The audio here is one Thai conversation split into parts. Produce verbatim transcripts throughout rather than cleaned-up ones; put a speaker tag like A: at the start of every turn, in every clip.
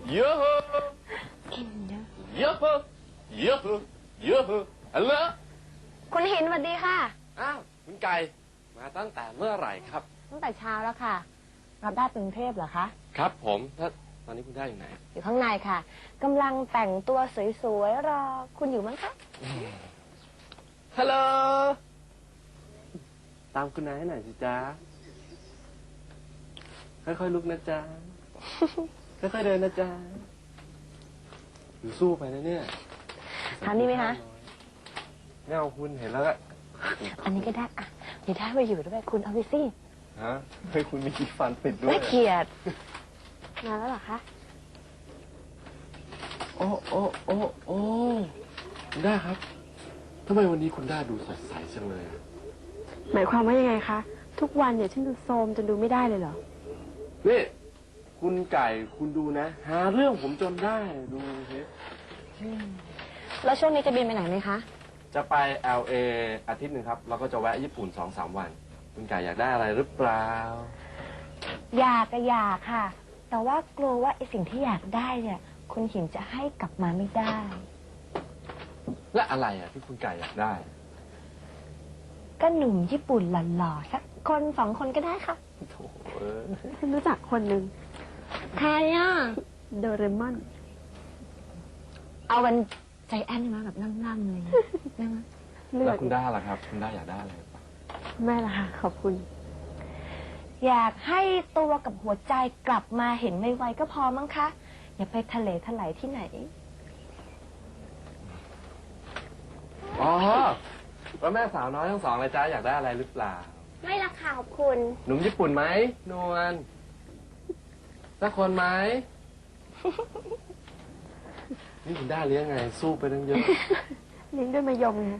A: เยอะ
B: กินเยอะ
A: เยอะเยอะเยอะฮัลโหล
B: คุณหินสวัสดีค่ะ
A: อ้าวคุณไก่มาตั้งแต่เมื่อไหร่ครับ
B: ตั้งแต่เช้าแล้วค่ะรับได้กรุงเทพเหรอคะ
A: ครับผมแล้วตอนนี้คุณได้อยู่ไหน
B: อยู่ข้างในค่ะกำลังแต่งตัวสวยๆรอคุณอยู่มั้งคะ
A: ฮัลโหลตามคุณนายให้หน่อยสิจ๊ะค่อยๆลุกนะจ๊ะค่อยๆเดินนะจ๊ะอยู่สู้ไปนะเนี่ย
B: ทานนี่ไหมคะ
A: ไม่เอาคุณเห็นแล้วก็
B: อันนี้ก็ได้อ่ะเดี๋ยวได้มาอยู่ด้วยคุณเอาไปสิ
A: ฮะเฮ้ยคุณมีขี้ฟันติดด้วย
B: น่าเกลียดมาแล้วเหรอคะ
A: โอ้โอ้โอ้โอ้คุณด้าครับทำไมวันนี้คุณด้าดูสดใสจังเลย
C: หมายความว่ายังไงคะทุกวันเนี่ยฉันดูโทรมจนดูไม่ได้เลยเหรอ
A: นี่คุณไก่คุณดูนะหาเรื่องผมจนได้ดูสิ
B: แล้วช่วงนี้จะบินไปไหนไหมคะ
A: จะไป แอล เอ อาทิตย์หนึ่งครับแล้วก็จะแวะญี่ปุ่นสองสามวันคุณไก่อยากได้อะไรหรือเปล่า
B: อยากก็อยากค่ะแต่ว่ากลัวว่าไอสิ่งที่อยากได้เนี่ยคุณหินจะให้กลับมาไม่ได้
A: และอะไรอ่ะที่คุณไก่อยากได้
B: ก็หนุ่มญี่ปุ่นหล่อๆสักคนสองคนก็ได้ค่ะ
A: โถ
C: ฉันรู้จักคนหนึ่ง
B: ใครอ่ะ
C: โดเรมอน
B: เอาเป็นใจแอนมาแบบล่ำๆเลยได้ไหม
A: แล้วคุณด้าล่ะครับคุณด้าอยากได้อะไร
C: แม่ล่ะค่ะขอบคุณ
B: อยากให้ตัวกับหัวใจกลับมาเห็นไวๆก็พอมั้งคะอย่าไปทะเลถลายที่ไหน
A: อ๋อแล้วแม่สาวน้อยทั้งสองเลยจ้าอยากได้อะไรหรือเปล่า
B: ไม่ละค่ะขอบคุณ
A: หนุ่มญี่ปุ่นไหมนวลสักคนไหมนี่คุณด้าเลี้ยงไงสู้ไปตั้งเยอะ
C: เลี้ยงด้วยมะยมไง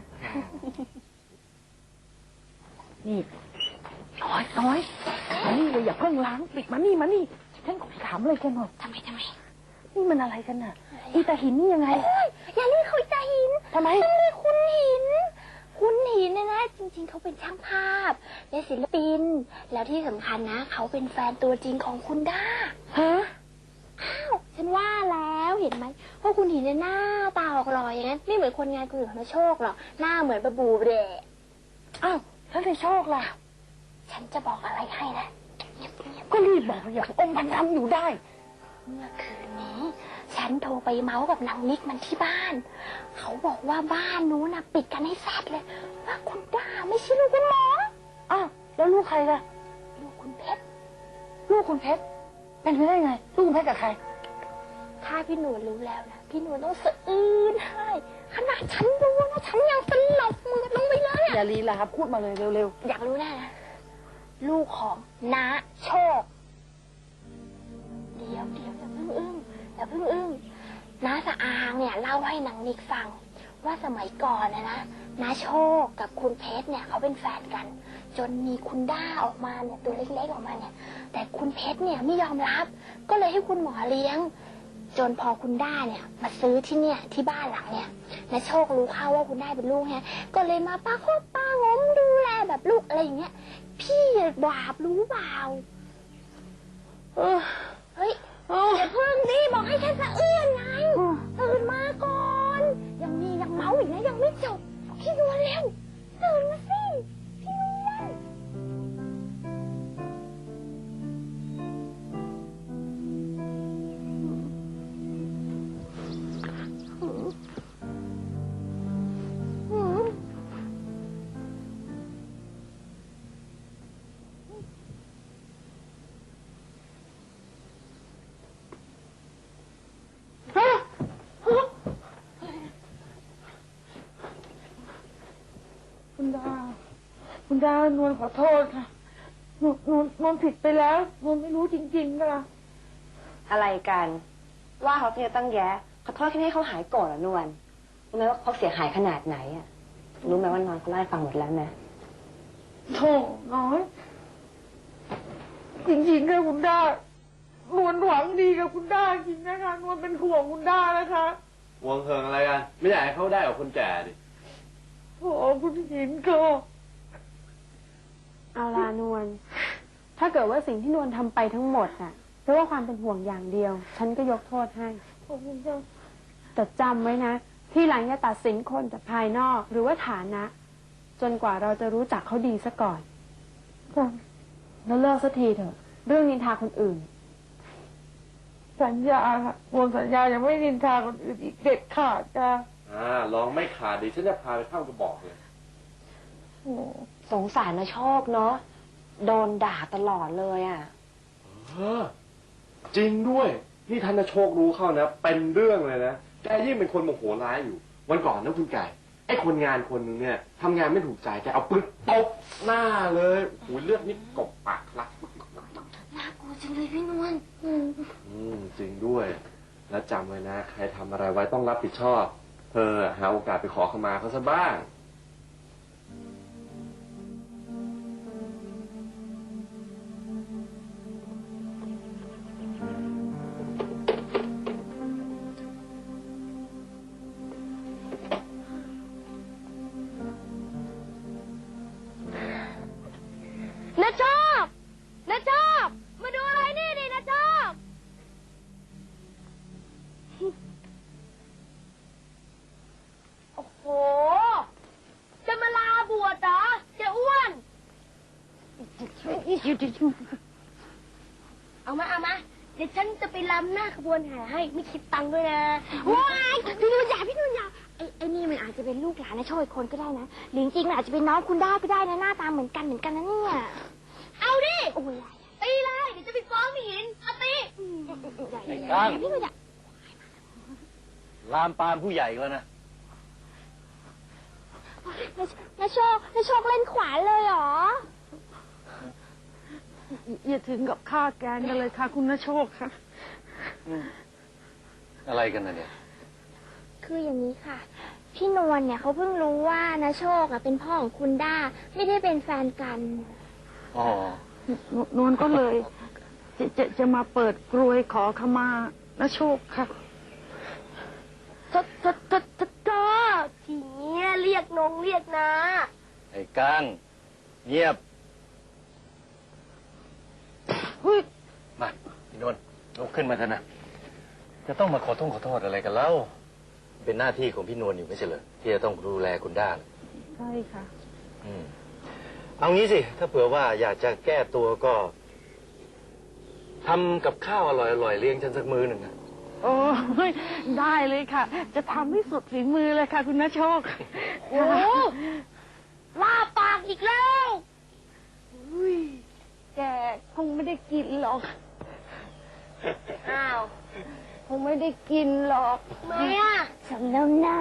D: นี่น้อยน้อยมานี่เลยอย่าเพิ่งล้างปิดมานี่มานี่ฉันขอถามอะไรกันหน่อย
B: ทำไมทำไม
D: นี่มันอะไรกันน่ะอีตาหินนี่ยังไง
B: อย่าเรียกเขาอีตาหิน
D: ทำไม
B: ต้องเรียกคุณหินคุณหินเนี่ยนะจริงๆเขาเป็นช่างภาพเป็นศิลปินแล้วที่สำคัญนะเขาเป็นแฟนตัวจริงของคุณด้า
D: ฮะ
B: อ้าวฉันว่าแล้วเห็นไหมว่าคุณหินเนี่ยหน้าตาออกหล่ออย่างนั้นไม่เหมือนคนงานคนอื่นเขาโชคหรอกหน้าเหมือนบะบูเดะ
D: อ้าวแล้วในโชคล่ะ
B: ฉันจะบอกอะไรให้นะ
D: ก็รีบบอกอย่างองค์พันทำอยู่ได้
B: เมื่อคืนนี้ฉันโทรไปเมาส์กับนางนิกมันที่บ้านเขาบอกว่าบ้านนู้นน่ะปิดกันให้แซดเลยว่าคุณด้าไม่ใช่ลูกคุณหมอ
D: อ้าวแล้วลูกใครล่ะ
B: ลูกคุณเพชร
D: ลูกคุณเพชรเป็นไปได้ไงลูกคุณเพชรกับใคร
B: ถ้าพี่หนูรู้แล้วนะพี่หนูต้องสะอื้นให้ขนาดฉันรู้นะฉันยังสลบมือลงไปเลย
D: อย่าลีลาครับพูดมาเลยเร็ว
B: ๆอยากรู้แน่นะลูกของน้าโชคเดี๋ยวเดี๋ยวอย่าเพิ่งอึ้งอย่าเพิ่งอึ้งน้าสะอางเนี่ยเล่าให้นางนิกฟังว่าสมัยก่อนนะนะน้าโชคกับคุณเพชรเนี่ยเขาเป็นแฟนกันจนมีคุณด้าออกมาเนี่ยตัวเล็กๆออกมาเนี่ยแต่คุณเพชรเนี่ยไม่ยอมรับก็เลยให้คุณหมอเลี้ยงจนพอคุณด้าเนี่ยมาซื้อที่เนี่ยที่บ้านหลังเนี่ยน้าโชครู้เข้าว่าคุณด้าเป็นลูกเนี่ยก็เลยมาป้าโคตรป้างมดูแลแบบลูกอะไรอย่างเงี้ยพี่บาปรู้เปล่าเฮ้ยอย่าเพิ่งดิบอกให้แค่สะอื้นไงตื่นมาก่อนยังมียังเมาอีกนะยังไม่จบพี่นวลเร็วตื่นมาสิพี่นวล
D: คุณดาคุณดานวลขอโทษค่ะนวลนวลนวลผิดไปแล้วนวลไม่รู้จริงๆค่ะ
E: อะไรกันว่าเขาเนี่ยตั้งแย่ขอโทษแค่ให้เขาหายโกรธเหรอนวลรู้ไหมว่าเขาเสียหายขนาดไหนอ่ะรู้ไหมว่านอนเขาไล่ฟังหมดแล้วนะ
D: โธ่น้อยจริงๆค่ะคุณดานวลหวังดีกับคุณดาจริงนะคะนวลเป็นห่วงคุณดานะคะ
A: ห่วงเหิงอะไรกันไม่อยากให้เขาได้กับคนแก่ดิ
D: โอ้คุณหินก็
C: เอาลานวลถ้าเกิดว่าสิ่งที่นวลทำไปทั้งหมดน่ะเพราะว่าความเป็นห่วงอย่างเดียว ฉันก็ยกโทษให้แต่จำไว้นะ ที่หลังอย่าตัดสินคนจากภายนอกหรือว่าฐานะ จนกว่าเราจะรู้จักเขาดีซะก่อนแล้วเลิกสักทีเถอะ เรื่องนินทาคนอื่น
D: สัญญาค่ะโอนสัญญายังไม่นินทาคนอื่นอีกเด็ดขาดจ้ะ
A: อ่าลองไม่ขาดดิฉันจะพาไปเข้ากระบอกเลย
D: โอ้
E: สงสารนะโชคเนาะโดนด่าตลอดเลยอ่ะ
A: เออจริงด้วย นี่ท่านโชครู้เข้านะ เป็นเรื่องเลยนะแกยิ่งเป็นคนโมโหร้ายอยู่ วันก่อนนะคุณไก่ไอ้คนงานคนหนึงเนี่ยทำงานไม่ถูกใจแกเอาปืนตบหน้าเลยโอ้ยเลือดนี่กบปากลัก
B: น่ากลัวจังเลยพี่นวล
A: อืมจริงด้วย แล้วจำไว้นะ ใครทำอะไรไว้ต้องรับผิดชอบ เธอหาโอกาสไปขอขมาเขาซะบ้าง
B: นะชอบนะชอบมาดูอะไรนี่ดินะชอบโอ้โหจะมาลาบวชเหรอจะอ้วนเอามาเอามาเดี๋ยวฉันจะไปรำหน้าขบวนแห่ให้ไม่คิดตังค์ด้วยนะว้ายพี่นุ่นอย่าพี่นุ่นอย่าไอ้ไอ้นี่มันอาจจะเป็นลูกหลานนะโชยคนก็ได้นะหรือจริงๆมันอาจจะเป็นน้องคุณได้ก็ได้นะหน้าตาเหมือนกันเหมือนกันนะเนี่ยเอาดิโอ้ยตีเลยเดี๋ยวจะไปฟ้องพี่หินเอาตี
F: ไอ้ก้าง
B: พี่นุ่นอย่า
F: ลามปามผู้ใหญ่ก็นะ
B: นาโชคนาโชคเล่นขวานเลยเหรอ
D: อย่าถึงกับฆ่าแกงกันเลยค่ะคุณนโชคค่ะ
F: อะไรกันนะเนี่ย
B: คืออย่างนี้ค่ะ พี่นวลเนี่ยเขาเพิ่งรู้ว่านาโชคอะเป็นพ่อของคุณด้าไม่ได้เป็นแฟนกัน
F: อ๋อ
D: นวลก็เลยจะจะจะมาเปิดกรวยขอขมานโชคค่ะ
B: ทศทศทศทศทศทีเนี้ยเรียกนงเรียกนะ
F: ไอ้ก้างเงียบมาพี่นวลลุกขึ้นมาเถอะนะ จะต้องมาขอโทษขอโทษอะไรกันเล่าเป็นหน้าที่ของพี่นวลอยู่ไม่ใช่เหรอที่จะต้องดูแลคุณด้า
D: ใช่ค่ะ
F: อืมเอางี้สิ ถ้าเผื่อว่าอยากจะแก้ตัวก็ทำกับข้าวอร่อยๆเลี้ยงฉันสักมื้อหนึ่งนะ
D: โอ้ยได้เลยค่ะ จะทำให้สุดฝีมือเลยค่ะ คุณนโชค
B: โอ้ล่าปากอีกแล้วอุ้ย
D: แกคงไม่ได้กินหรอก
B: อ้าว
D: คงไม่ได้กินหรอก
B: ไม่อะสำน้ำหน้า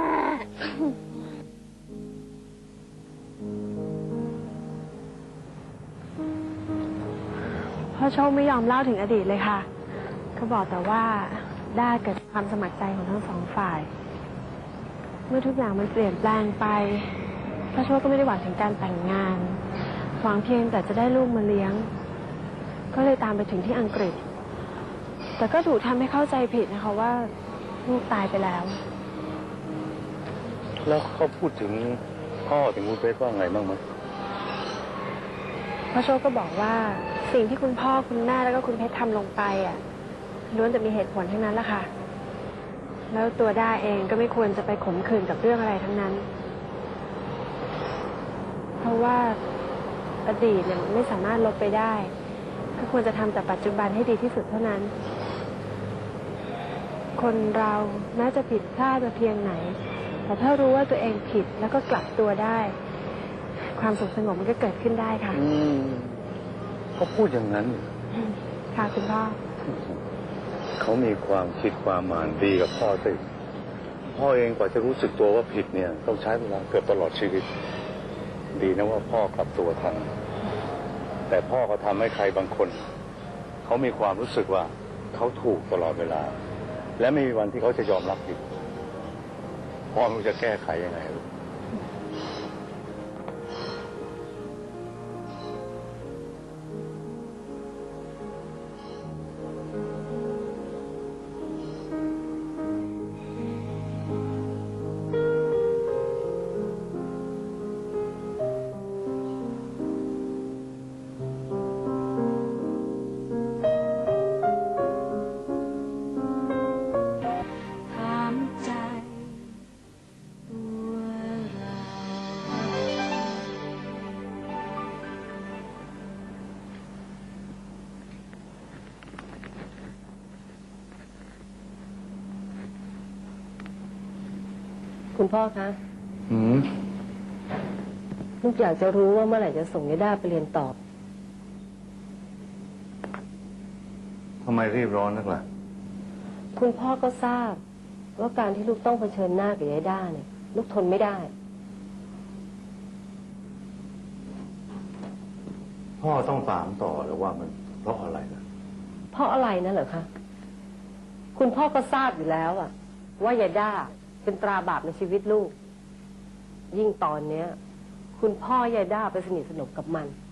C: พ่อโชคไม่ยอมเล่าถึงอดีตเลยค่ะ เขาบอกแต่ว่าได้เกิดความสมัครใจของทั้งสองฝ่าย เมื่อทุกอย่างมันเปลี่ยนแปลงไปพ่อโชคก็ไม่ได้หวังถึงการแต่งงาน หวังเพียงแต่จะได้ลูกมาเลี้ยง ก็เลยตามไปถึงที่อังกฤษ แต่ก็ถูกทำให้เข้าใจผิดนะคะว่าลูกตายไปแล้ว
G: แล้วเขาพูดถึงพ่อถึงคุณเพชรว่าไงบ้างไหม
C: พ่อโชคก็บอกว่าสิ่งที่คุณพ่อคุณแม่แล้วก็คุณเพชรทำลงไปอ่ะล้วนแต่มีเหตุผลทั้งนั้นแหละค่ะ แล้วตัวด้าเองก็ไม่ควรจะไปขมขื่นกับเรื่องอะไรทั้งนั้น เพราะว่าอดีตเนี่ยมันไม่สามารถลบไปได้ ก็ควรจะทำแต่ปัจจุบันให้ดีที่สุดเท่านั้น คนเราแม้จะผิดพลาดมาเพียงไหน แต่ถ้ารู้ว่าตัวเองผิดแล้วก็กลับตัวได้ ความสุขสงบมันก็เกิดขึ้นได้ค่ะ
G: อืมเขาพูดอย่างนั้น
C: ค่ะคุณพ่อ
G: เขามีความคิดความหมายดีกับพ่อสิพ่อเองกว่าจะรู้สึกตัวว่าผิดเนี่ย ต้องใช้เวลาเกือบตลอดชีวิต ดีนะว่าพ่อกลับตัวทัน แต่พ่อก็ทำให้ใครบางคน เขามีความรู้สึกว่าเขาถูกตลอดเวลา และไม่มีวันที่เขาจะยอมรับผิดพ่อไม่รู้จะแก้ไขยังไงลูก
H: คุณพ่อคะ
G: หืม
H: ลูกอยากจะรู้ว่าเมื่อไหร่จะส่งยายด้าไปเรียนต่อ
G: ทำไมรีบร้อนนักล่ะ
H: คุณพ่อก็ทราบ ว่าการที่ลูกต้องเผชิญหน้ากับยายด้าเนี่ย ลูกทนไม่ได้
G: พ่อต้องตามต่อหรือว่ามันเพราะอะไรล่ะ
H: เพราะอะไรนะเหรอคะ คุณพ่อก็ทราบอยู่แล้วอะว่ายายด้าเป็นตราบาปในชีวิตลูก ยิ่งตอนเนี้ย คุณพ่อยายด้าไปสนิทสนมกับมัน